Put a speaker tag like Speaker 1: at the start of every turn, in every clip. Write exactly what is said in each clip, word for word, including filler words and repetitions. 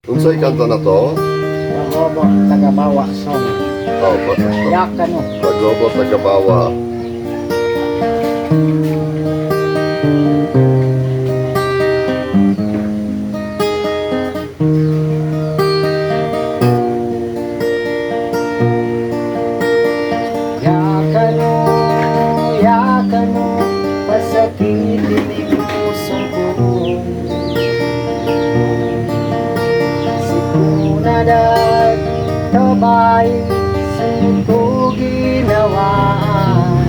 Speaker 1: Unsay kanta na to?
Speaker 2: Pagobo tagabawa song.
Speaker 1: Oh, pag
Speaker 2: Yak ano.
Speaker 1: Pagobo tagabawa.
Speaker 2: Yak ano, yak ano, pasakitin ang pusong ko. Si Punadag tabay sa ito ginawaan.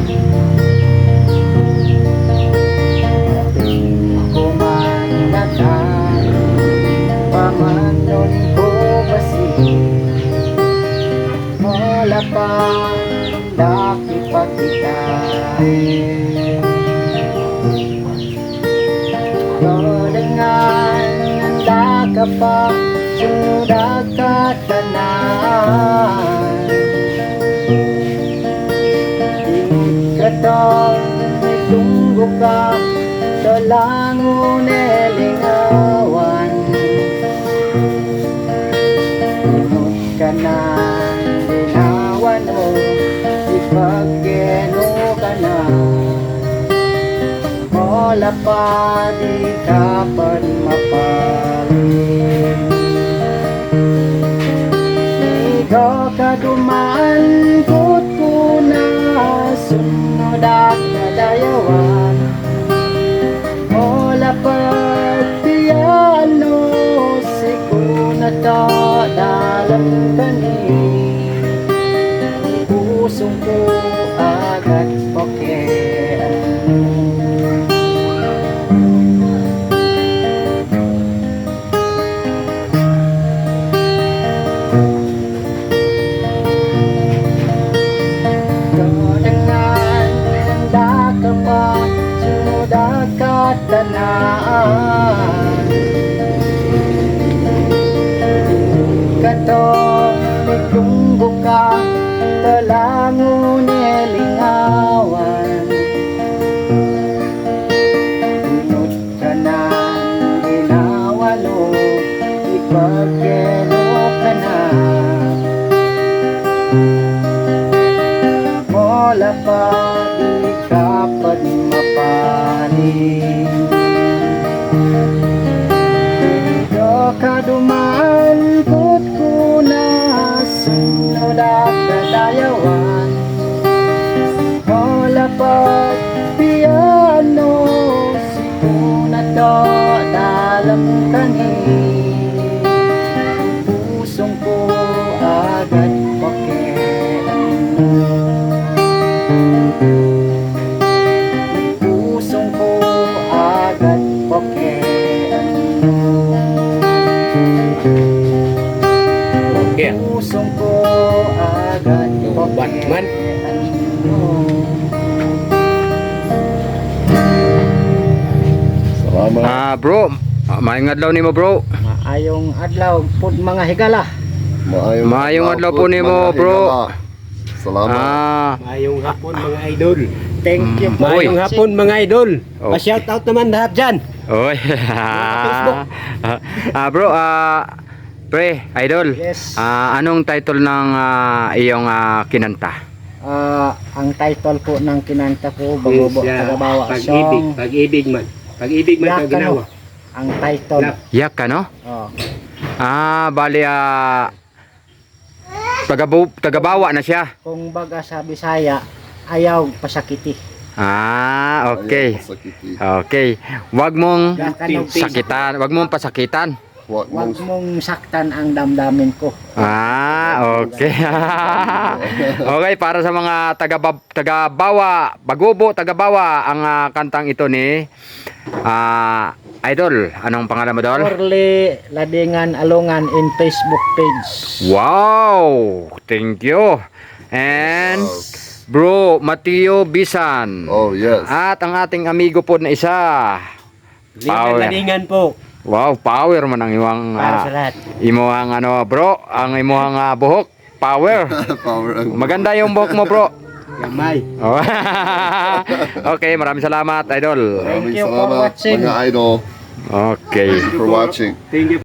Speaker 2: Ako man nakan, pamanon ko basi. Wala pa daki pagkikay. Kadangan handa ka pa, sunod ka tanan. Di ka daw may tunggo ka, dalangon elingawan. Tunod ka na ginawan mo, ipagkeno ka na. Wala pa di ka pa mapalit. Ikaw ka dumaan kot ko na sunod at nadayawan. Wala pa di ano si kuna ta dalam kani. Pusong ko agad pokean. Kadangan handa ka pa, sunod ka tanan. Katong nagtunggo ka, talangon elingawan. Tunod ka na ginawalo, ipagkeno ka na. Wala pa di ka pa mapalit. Ikaw ka dumaan kot ko na sunod at nadayawan. Wala pa di ano si kuna to dalam kani. Pusong ko agad pakian. Pusong ko agad pakian.
Speaker 3: Okay.
Speaker 2: Pusong ko agad
Speaker 3: Batman.
Speaker 2: pakian.
Speaker 1: Salamat.
Speaker 3: Ah, bro, ah, maayong adlaw nimo, bro.
Speaker 2: Maayong adlaw pud mga higala.
Speaker 1: Maayong,
Speaker 3: Maayong adlaw po
Speaker 1: po,
Speaker 3: nimo,
Speaker 1: mga
Speaker 3: bro.
Speaker 1: higala. Salamat.
Speaker 3: Ah,
Speaker 4: Mayong hapon mga idol.
Speaker 2: Thank you
Speaker 3: Mm,
Speaker 2: po.
Speaker 3: Uy.
Speaker 4: Mayong hapon mga idol.
Speaker 3: Okay.
Speaker 4: Pa-shout out naman lahat dyan.
Speaker 3: oy.
Speaker 4: Facebook.
Speaker 3: ah, bro, ah, pre, idol.
Speaker 2: Yes.
Speaker 3: Ah, anong title ng ah, iyong ah, kinanta?
Speaker 2: Ah, ang title po ng kinanta ko, Bagobo
Speaker 4: Siya,
Speaker 2: Tagabawa
Speaker 4: Pag-ibig,
Speaker 2: Song.
Speaker 4: pag-ibig man. Pag-ibig man
Speaker 2: Yak
Speaker 4: ang ginawa.
Speaker 2: ano, ang title.
Speaker 4: Lap.
Speaker 3: Yak ka, no?
Speaker 2: Oh.
Speaker 3: Ah, bali ah tagabu tagabawa na siya.
Speaker 2: Kung baga sa Bisaya, ayaw pasakiti.
Speaker 3: Ah, okay.
Speaker 1: Ayaw masakiti.
Speaker 3: Okay. Wag mong
Speaker 2: Yak ano,
Speaker 3: sakitan, wag mong pasakitan.
Speaker 1: Huwag
Speaker 2: Huwag
Speaker 1: mong
Speaker 2: mong saktan ang damdamin ko.
Speaker 3: Ah, okay. Okay, para sa mga taga tagabawa, Bagobo, tagabawa ang ah, kantang ito ni ah Idol. Anong pangalan mo, Dol?
Speaker 2: Orly Ladingan Alungan in Facebook page.
Speaker 3: Wow! Thank you. And Bro Mateo Bisan.
Speaker 1: Oh, yes.
Speaker 3: At ang ating amigo po na isa. Power.
Speaker 4: Lingan-lalingan po.
Speaker 3: Wow, power man ang iwang
Speaker 2: Para sa
Speaker 3: ah,
Speaker 2: lahat.
Speaker 3: imuhang ano, bro, ang imuhang ah, buhok. Power.
Speaker 1: Power ang-
Speaker 3: Maganda yung buhok mo, bro.
Speaker 4: Gamay.
Speaker 3: Oh. Okay, maraming salamat, Idol.
Speaker 1: Maraming
Speaker 2: Thank you for
Speaker 1: salamat,
Speaker 2: watching.
Speaker 1: mga idol.
Speaker 3: Okay.
Speaker 1: Thank you for watching.
Speaker 4: Thank you.